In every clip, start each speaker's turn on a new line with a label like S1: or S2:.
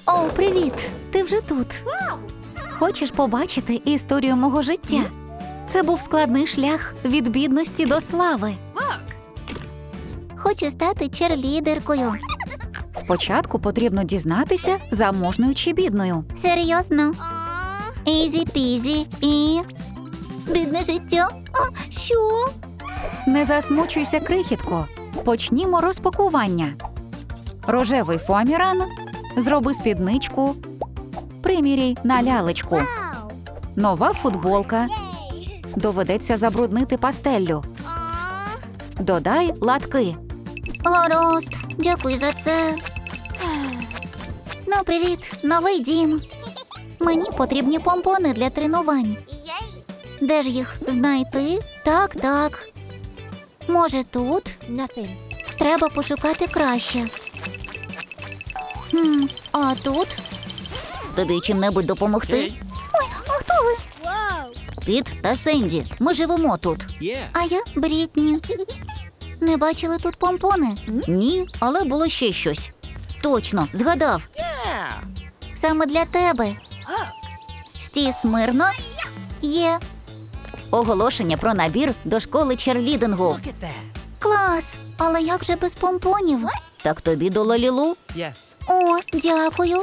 S1: О, привіт! Ти вже тут. Хочеш побачити історію мого життя? Це був складний шлях від бідності до слави.
S2: Хочу стати черлідеркою.
S1: Спочатку потрібно дізнатися, заможною чи бідною.
S2: Серйозно? Ізі-пізі і... Бідне життя? А, що?
S1: Не засмучуйся, крихітко. Почнімо розпакування. Рожевий фоаміран. Зроби спідничку. Приміряй на лялечку. Нова футболка. Доведеться забруднити пастеллю. Додай латки.
S2: Гаразд, дякую за це. Ну, привіт, новий дім. Мені потрібні помпони для тренувань. Де ж їх знайти? Так. Може, тут? Треба пошукати краще. А тут? Тобі чим-небудь допомогти? Ой, а хто ви? Піт та Сенді. Ми живемо тут. А я Брітні. Не бачили тут помпони? Ні, але було ще щось. Точно, згадав. Саме для тебе. Стій смирно. Є. Оголошення про набір до школи черлідингу. Клас! Але як же без помпонів? Так тобі до Лалілу. О, дякую.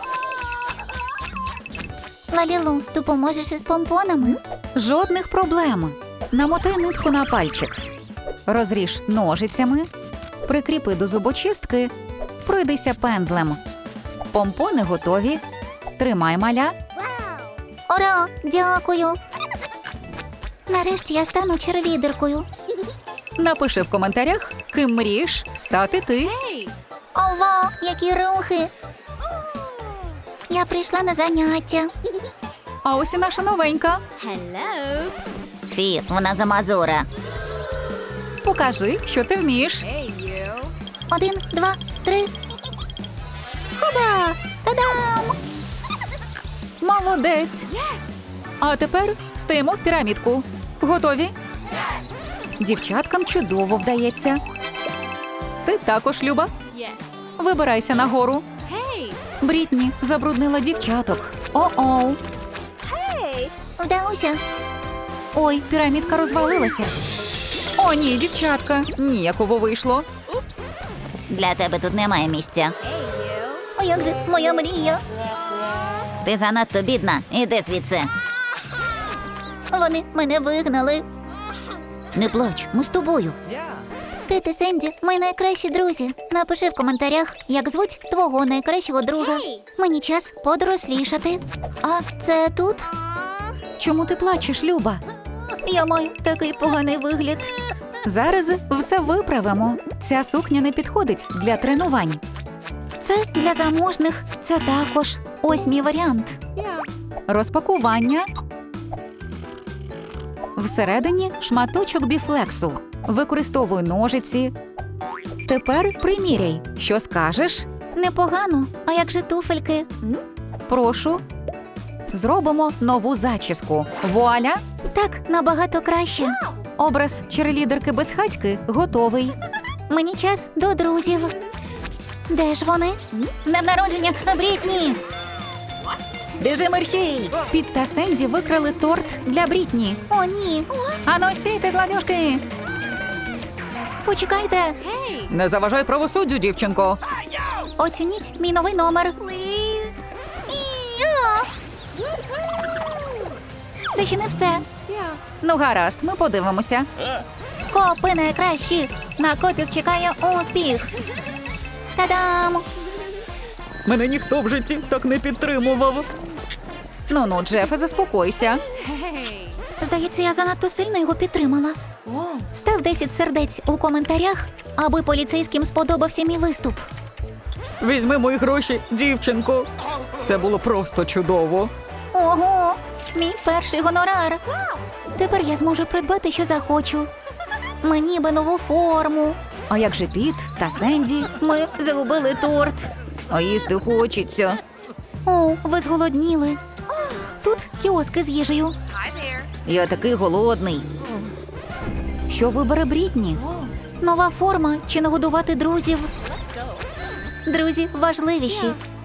S2: Лалілу, допоможеш із помпонами?
S1: Жодних проблем. Намотай нитку на пальчик. Розріж ножицями. Прикріпи до зубочистки. Пройдися пензлем. Помпони готові. Тримай, маля.
S2: Ура! Дякую. Нарешті я стану черлідеркою.
S1: Напиши в коментарях, ким мрієш стати ти.
S2: Ова, які рухи! Я прийшла на заняття.
S1: А ось і наша новенька.
S2: Фі, вона замазура.
S1: Покажи, що ти вмієш.
S2: 1, 2, 3. Хоба! Та-дам!
S1: Молодець. А тепер стаємо в пірамідку. Готові? Дівчаткам чудово вдається. Ти також, Люба. Вибирайся нагору. Брітні забруднила дівчаток. О-оу.
S2: Вдалося.
S1: Ой, пірамідка розвалилася. О, ні, дівчатка. Ніяково вийшло.
S2: Для тебе тут немає місця. А як же моя мрія? Ти занадто бідна. Іди звідси. Вони мене вигнали. Не плач, ми з тобою. Піт і Сенді, ми найкращі друзі. Напиши в коментарях, як звуть твого найкращого друга. Мені час подорослішати. А це тут?
S1: Чому ти плачеш, Люба?
S2: Я маю такий поганий вигляд.
S1: Зараз все виправимо. Ця сукня не підходить для тренувань.
S2: Це для заможних, це також. Ось мій варіант.
S1: Розпакування. Всередині шматочок біфлексу. Використовуй ножиці. Тепер приміряй. Що скажеш?
S2: Непогано. А як же туфельки?
S1: Прошу. Зробимо нову зачіску. Вуаля!
S2: Так, набагато краще.
S1: Образ черлідерки безхатьки готовий.
S2: Мені час до друзів. Де ж вони? Днем народження, Брітні!
S1: Біжи мерщій! Піт та Сенді викрали торт для Брітні.
S2: О, ні.
S1: Ану, стійте, злодюжки!
S2: Почекайте.
S1: Не заважай правосуддю, дівчинко.
S2: Оцініть мій новий номер. Це ще не все.
S1: Ну, гаразд, ми подивимося.
S2: Копи найкращі. На копів чекає успіх. Та-дам!
S1: Мене ніхто в житті так не підтримував. Ну, Джефе, заспокойся.
S2: Здається, я занадто сильно його підтримала. Став 10 сердець у коментарях, аби поліцейським сподобався мій виступ.
S1: Візьми мої гроші, дівчинко. Це було просто чудово.
S2: Ого! Мій перший гонорар. Тепер я зможу придбати, що захочу. Мені би нову форму.
S1: А як же Піт та Сенді?
S2: Ми загубили торт.
S1: А їсти хочеться.
S2: О, ви зголодніли. Тут кіоски з їжею.
S1: Я такий голодний. Що вибере Брітні?
S2: Нова форма чи нагодувати друзів? Друзі важливіші.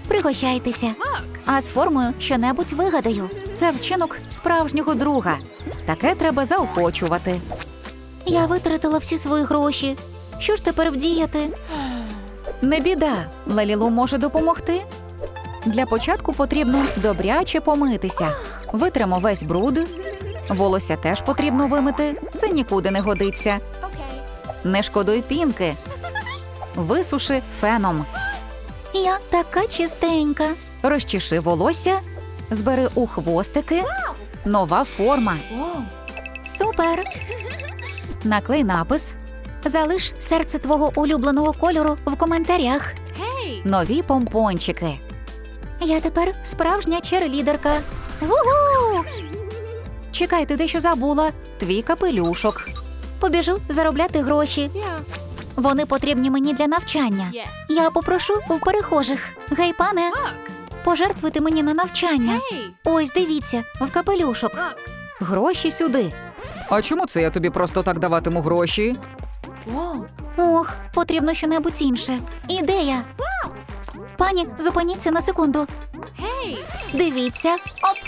S1: Пригощайтеся. А з формою щонебудь вигадаю. Це вчинок справжнього друга. Таке треба заохочувати. Я витратила всі свої гроші. Що ж тепер вдіяти? Не біда, Лалілу може допомогти. Для початку потрібно добряче помитися. Витримо весь бруд. Волосся теж потрібно вимити, це нікуди не годиться. Не шкодуй пінки. Висуши феном. Я така чистенька. Розчеши волосся, збери у хвостики. Нова форма. Супер! Наклей напис. Залиш серце твого улюбленого кольору в коментарях. Нові помпончики. Я тепер справжня черлідерка. Ву-ху! Чекай, ти дещо забула. Твій капелюшок. Побіжу заробляти гроші. Вони потрібні мені для навчання. Я попрошу в перехожих. Гей, пане, пожертвуйте мені на навчання. Ось, дивіться, в капелюшок. Гроші сюди.
S3: А чому це я тобі просто так даватиму гроші?
S1: Ох, потрібно щонебудь інше. Ідея. Пані, зупиніться на секунду. Дивіться. Оп.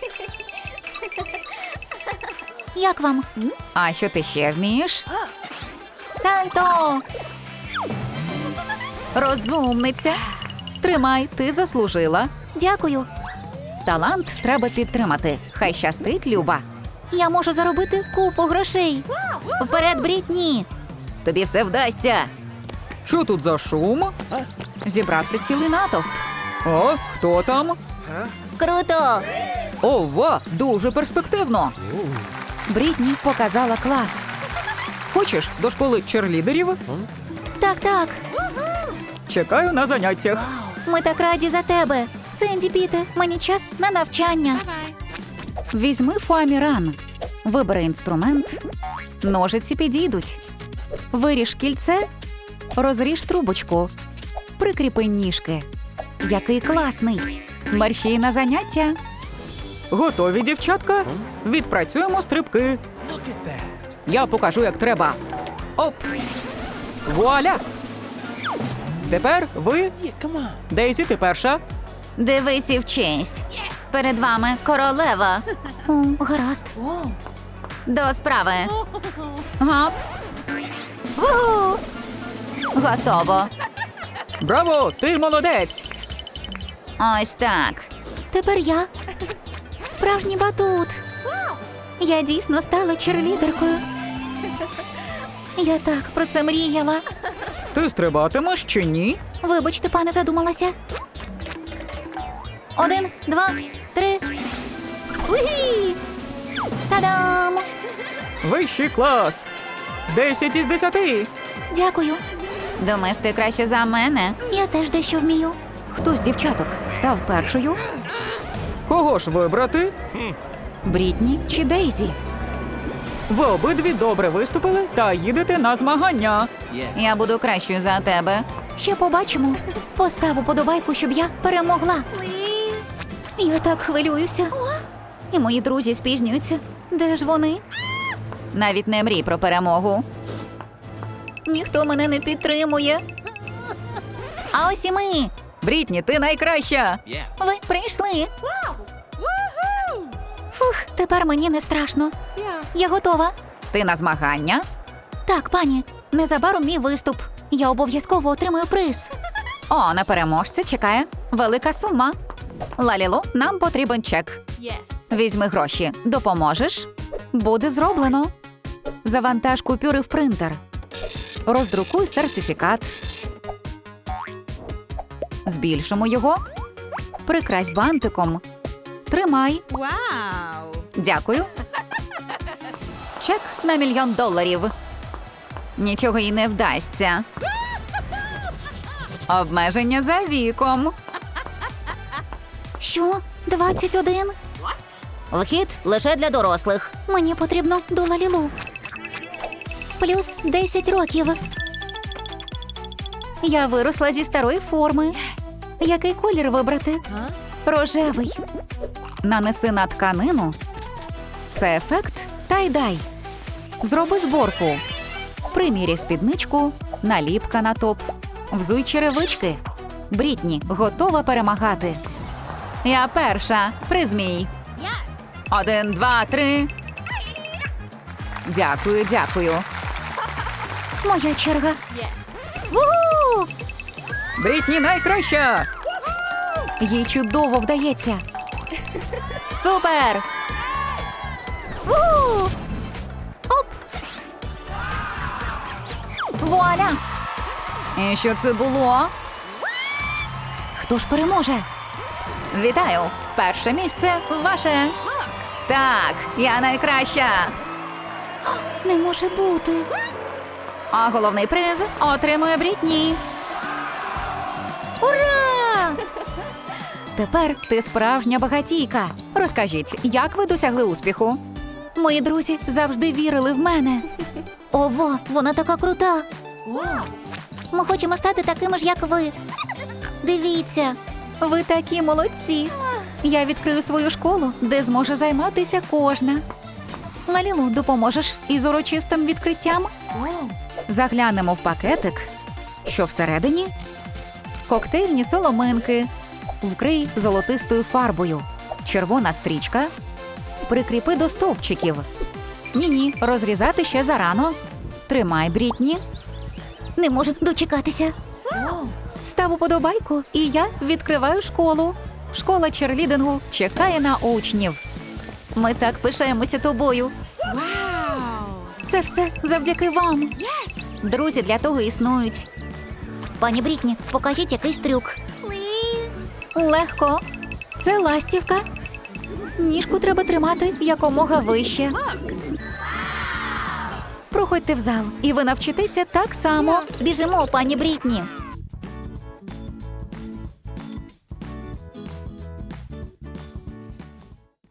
S1: Як вам?
S3: А що ти ще вмієш?
S1: Сальто! Розумниця. Тримай, ти заслужила. Дякую.
S3: Талант треба підтримати. Хай щастить, Люба.
S1: Я можу заробити купу грошей. Вперед, Брітні!
S3: Тобі все вдасться. Що тут за шум?
S1: Зібрався цілий натовп.
S3: О, хто там?
S1: Круто!
S3: Ова, дуже перспективно.
S1: Брітні показала клас.
S3: Хочеш до школи черлідерів?
S1: Так, так.
S3: Чекаю на заняттях.
S1: Ми так раді за тебе. Сенді, Піте, мені час на навчання. Візьми фоаміран. Вибери інструмент. Ножиці підійдуть. Виріж кільце. Розріж трубочку. Прикріпи ніжки. Який класний. Мерщій на заняття.
S3: Готові, дівчатка? Відпрацюємо стрибки. Я покажу, як треба. Оп! Вуаля! Тепер ви. Дейзі, ти перша.
S1: Дивись і вчись. Перед вами королева. О, гаразд. До справи. Гап. Ву! Готово.
S3: Браво! Ти молодець!
S1: Ось так. Тепер я. Справжній батут. Я дійсно стала черлідеркою. Я так про це мріяла.
S3: Ти стрибатимеш чи ні?
S1: Вибачте, пане, задумалася. 1, 2, 3. Угі! Та-дам!
S3: Вищий клас! 10 із 10!
S1: Дякую. Думаєш, ти краще за мене? Я теж дещо вмію. Хто з дівчаток став першою?
S3: Кого ж вибрати?
S1: Брітні чи Дейзі?
S3: Ви обидві добре виступили та їдете на змагання.
S1: Я буду кращою за тебе. Ще побачимо. Постав уподобайку, щоб я перемогла. Я так хвилююся. І мої друзі спізнюються. Де ж вони? Навіть не мрій про перемогу. Ніхто мене не підтримує. А ось і ми.
S3: Брітні, ти найкраща!
S1: Ви прийшли. Фух, тепер мені не страшно. Я готова.
S3: Ти на змагання?
S1: Так, пані, незабаром мій виступ. Я обов'язково отримаю приз.
S3: О, на переможця чекає велика сума. Лалілу, нам потрібен чек. Візьми гроші. Допоможеш?
S1: Буде зроблено. Завантаж купюри в принтер.
S3: Роздрукуй сертифікат.
S1: Збільшимо його. Прикрась бантиком. Тримай. Дякую. Чек на $1 мільйон. Нічого їй не вдасться. Обмеження за віком. Що? 21?
S2: Вхід лише для дорослих.
S1: Мені потрібно до Лалілу. Плюс 10 років. Я виросла зі старої форми. Який колір вибрати? Рожевий. Нанеси на тканину. Це ефект тай-дай. Зроби зборку. Приміряй спідничку, наліпка на топ. Взуй черевички.
S3: Брітні готова перемагати. Я перша. Призмій. 1, 2, 3. Дякую, дякую.
S1: Моя черга. У!
S3: Брітні найкраща.
S1: Їй чудово вдається.
S3: Супер!
S1: У! Оп!
S3: Вуаля! І що це було?
S1: Хто ж переможе?
S3: Вітаю! Перше місце ваше. Так, я найкраща.
S1: Не може бути.
S3: А головний приз отримує Брітні.
S1: Ура!
S3: Тепер ти справжня багатійка. Розкажіть, як ви досягли успіху?
S1: Мої друзі завжди вірили в мене.
S2: Ова, вона така крута. Ми хочемо стати такими ж, як ви. Дивіться.
S1: Ви такі молодці. Я відкрию свою школу, де зможе займатися кожна. Лалілу, допоможеш із урочистим відкриттям?
S3: Заглянемо в пакетик. Що всередині? Коктейльні соломинки. Вкрий золотистою фарбою. Червона стрічка. Прикріпи до стовпчиків. Ні-ні, розрізати ще зарано. Тримай, Брітні.
S2: Не можу дочекатися.
S1: Став уподобайку, і я відкриваю школу.
S3: Школа черлідингу чекає на учнів.
S1: Ми так пишаємося тобою. Це все завдяки вам. Друзі для того існують.
S2: Пані Брітні, покажіть якийсь трюк.
S1: Легко. Це ластівка. Ніжку треба тримати якомога вище. Проходьте в зал, і ви навчитеся так само.
S2: Біжимо, пані Брітні.